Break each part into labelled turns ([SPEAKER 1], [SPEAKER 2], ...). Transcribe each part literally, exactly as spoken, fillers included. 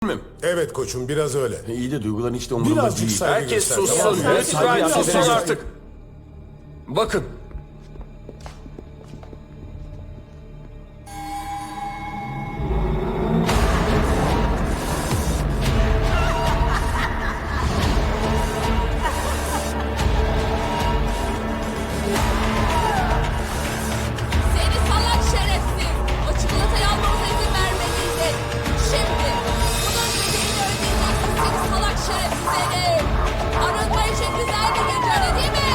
[SPEAKER 1] mi?
[SPEAKER 2] Evet koçum, biraz öyle.
[SPEAKER 1] İyi de duyguların hiç de umurumda
[SPEAKER 2] Birazcık
[SPEAKER 1] değil.
[SPEAKER 2] saygı
[SPEAKER 1] Herkes
[SPEAKER 2] göster,
[SPEAKER 1] sussun.
[SPEAKER 2] tamam mı?
[SPEAKER 1] Lütfen
[SPEAKER 2] Saygı
[SPEAKER 1] sussun
[SPEAKER 2] göster.
[SPEAKER 1] artık. Bakın.
[SPEAKER 3] Seni salak şerefsiz! O çikolatayı almamıza izin vermeliydin. Şimdi bunun bedelini ödeyeceksin seni salak şerefsiz herif! Arınma için güzel bir gece öyle değil mi?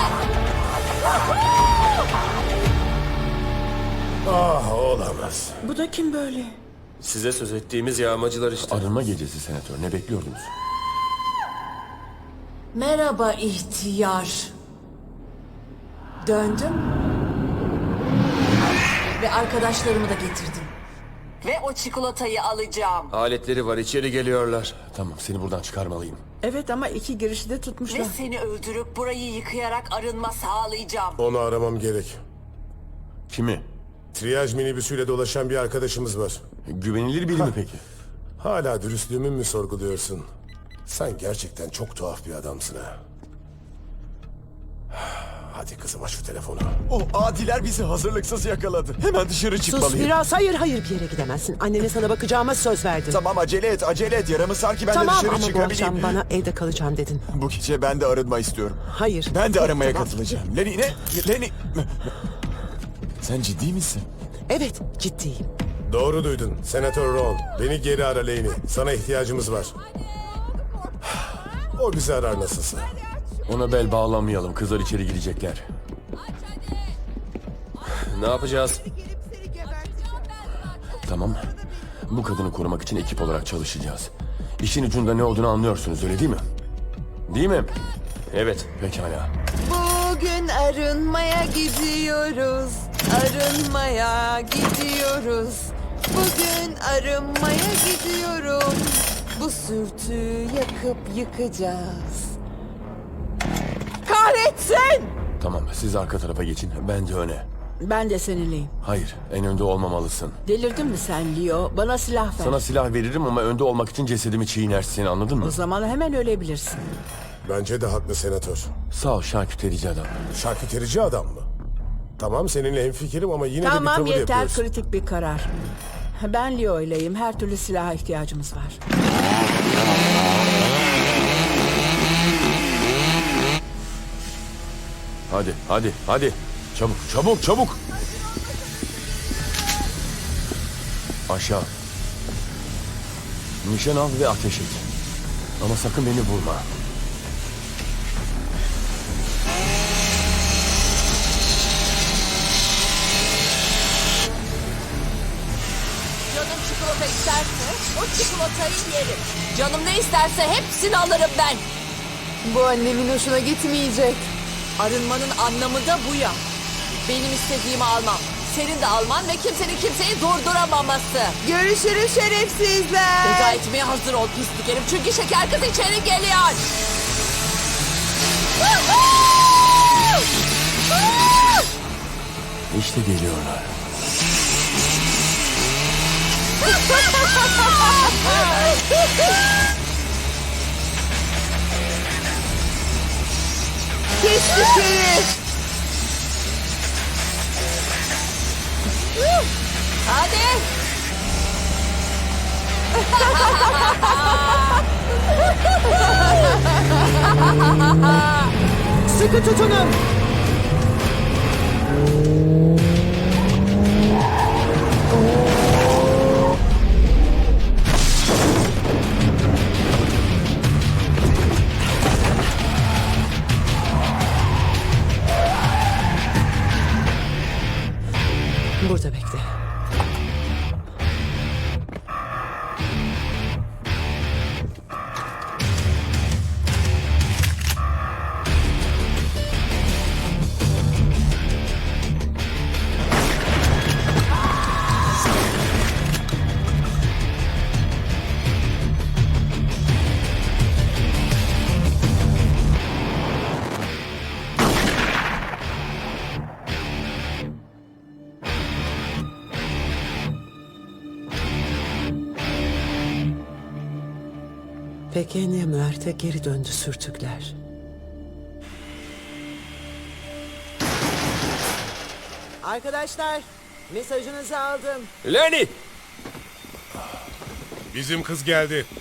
[SPEAKER 2] Ah, olamaz.
[SPEAKER 4] Bu da kim böyle?
[SPEAKER 1] Size söz ettiğimiz yağmacılar işte. Arınma gecesi senatör. Ne bekliyordunuz?
[SPEAKER 3] Merhaba ihtiyar. Döndüm. Ve arkadaşlarımı da getirdim. Ve o çikolatayı alacağım.
[SPEAKER 1] Aletleri var, içeri geliyorlar. Tamam, seni buradan çıkarmalıyım.
[SPEAKER 4] Evet ama iki girişi de tutmuşlar.
[SPEAKER 3] Ve seni öldürüp burayı yıkayarak arınma sağlayacağım.
[SPEAKER 2] Onu aramam gerek.
[SPEAKER 1] Kimi?
[SPEAKER 2] Triyaj minibüsüyle dolaşan bir arkadaşımız var.
[SPEAKER 1] Güvenilir biri mi peki?
[SPEAKER 2] Hala dürüstlüğümü mü sorguluyorsun? Sen gerçekten çok tuhaf bir adamsın ha. Hadi kızım, aç şu telefonu.
[SPEAKER 5] O adiler bizi hazırlıksız yakaladı. Hemen dışarı
[SPEAKER 4] Sus
[SPEAKER 5] çıkmalıyım.
[SPEAKER 4] biraz. Hayır hayır, bir yere gidemezsin. Annene sana bakacağıma söz verdim.
[SPEAKER 5] Tamam, acele et, acele et. Yaramı sar ki ben
[SPEAKER 4] Tamam
[SPEAKER 5] de dışarı
[SPEAKER 4] ama bu
[SPEAKER 5] çıkabileyim.
[SPEAKER 4] akşam bana evde kalacağım dedin.
[SPEAKER 5] Bu gece ben de arınma istiyorum.
[SPEAKER 4] Hayır.
[SPEAKER 5] Ben de aramaya
[SPEAKER 4] Tamam.
[SPEAKER 5] katılacağım. Lenny ne? Lenny. Sen ciddi misin?
[SPEAKER 4] Evet, ciddiyim.
[SPEAKER 2] Doğru duydun. Senatör Ron. Beni geri ara Lane'i. Sana ihtiyacımız var. O bizi arar nasılsa.
[SPEAKER 1] Ona bel bağlamayalım. Kızlar içeri girecekler. Ne yapacağız? Tamam. Bu kadını korumak için ekip olarak çalışacağız. İşin ucunda ne olduğunu anlıyorsunuz, öyle değil mi? Değil mi? Evet, pekala.
[SPEAKER 6] Bugün arınmaya gidiyoruz. Arınmaya gidiyoruz. Bugün arınmaya gidiyorum. Bu sürtüyü yakıp yıkacağız. Kahretsin!
[SPEAKER 1] Tamam, siz arka tarafa geçin. Ben de öne.
[SPEAKER 4] Ben de seninleyim.
[SPEAKER 1] Hayır, en önde olmamalısın.
[SPEAKER 4] Delirdin mi sen Leo? Bana silah ver.
[SPEAKER 1] Sana silah veririm ama önde olmak için cesedimi çiğnersin, anladın mı?
[SPEAKER 4] O zaman hemen ölebilirsin.
[SPEAKER 2] Bence de haklı senatör.
[SPEAKER 1] Sağ ol şarküterici adam.
[SPEAKER 2] Şarküterici adam mı? Tamam, seninle hemfikirim ama yine de bir
[SPEAKER 4] Tamam
[SPEAKER 2] tavır
[SPEAKER 4] yeter,
[SPEAKER 2] yapıyorsun.
[SPEAKER 4] kritik bir karar. Ben Leo ileyim. Her türlü silaha ihtiyacımız var.
[SPEAKER 1] Hadi, hadi, hadi. Çabuk, çabuk, çabuk. Aşağı. Nişan al ve ateş et. Ama sakın beni vurma.
[SPEAKER 3] Canım çikolata isterse o çikolatayı yerim. Canım ne isterse hepsini alırım ben.
[SPEAKER 6] Bu annemin hoşuna gitmeyecek.
[SPEAKER 3] Arınmanın anlamı da bu ya. Benim istediğimi almam. Senin de alman ve kimsenin kimseyi durduramaması.
[SPEAKER 6] Görüşürüz şerefsizler.
[SPEAKER 3] Veda etmeye hazır ol pislik herif. Çünkü şeker kız içeri geliyor.
[SPEAKER 1] İşte geliyorlar.
[SPEAKER 6] Pislik herif.
[SPEAKER 3] Hadi.
[SPEAKER 4] Sıkı tutunun. Burada bekle. Pequeña Muerte geri döndü sürtükler.
[SPEAKER 7] Arkadaşlar, mesajınızı aldım.
[SPEAKER 1] Lenny!
[SPEAKER 2] Bizim kız geldi.